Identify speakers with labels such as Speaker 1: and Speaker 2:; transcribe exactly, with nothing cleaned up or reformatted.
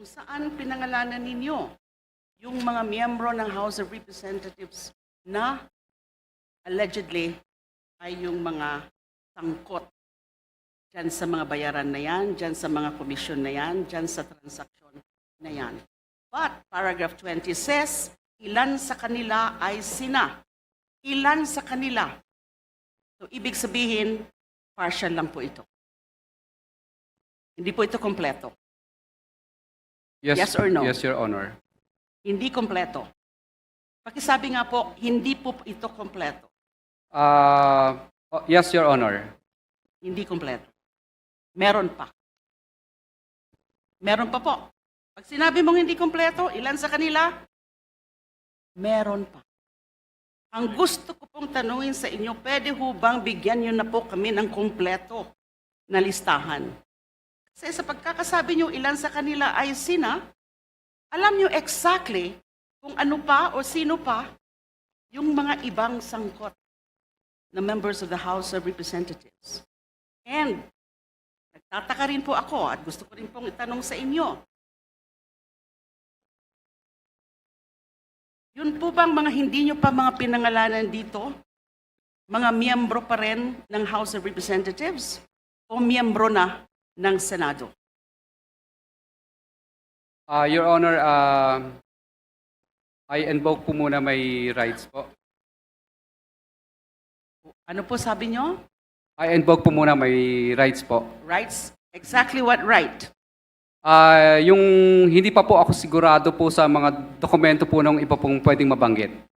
Speaker 1: kung saan pinangalanan ninyo yung mga miyembro ng House of Representatives na allegedly ay yung mga sangkot dyan sa mga bayaran na yan, dyan sa mga komisyon na yan, dyan sa transaksyon na yan. But paragraph twenty says, ilan sa kanila ay sina. Ilan sa kanila. So ibig sabihin, partial lang po ito. Hindi po ito kompleto.
Speaker 2: Yes,
Speaker 1: Yes or no?
Speaker 2: Yes, Your Honor.
Speaker 1: Hindi kompleto. Pakisabi nga po, hindi po ito kompleto.
Speaker 2: Uh, oh, yes, Your Honor.
Speaker 1: Hindi kompleto. Meron pa. Meron pa po. Pag sinabi mong hindi kompleto, ilan sa kanila? Meron pa. Ang gusto ko pong tanungin sa inyo, pwede ho bang bigyan nyo na po kami ng kompleto na listahan? Kasi sa pagkakasabi nyo ilan sa kanila ay sina, alam nyo exactly kung ano pa o sino pa yung mga ibang sangkot na members of the House of Representatives. And nagtataka rin po ako at gusto ko rin pong itanong sa inyo, yun po bang mga hindi nyo pa mga pinangalanan dito, mga miyembro pa rin ng House of Representatives o miyembro na ng Senado?
Speaker 2: Uh, Your Honor, uh, I invoke po muna my rights po.
Speaker 1: Ano po sabi nyo?
Speaker 2: I invoke po muna my rights po.
Speaker 1: Rights? Exactly what right?
Speaker 2: Uh, yung hindi pa po ako sigurado po sa mga dokumento po ng iba pong pwedeng mabanggit.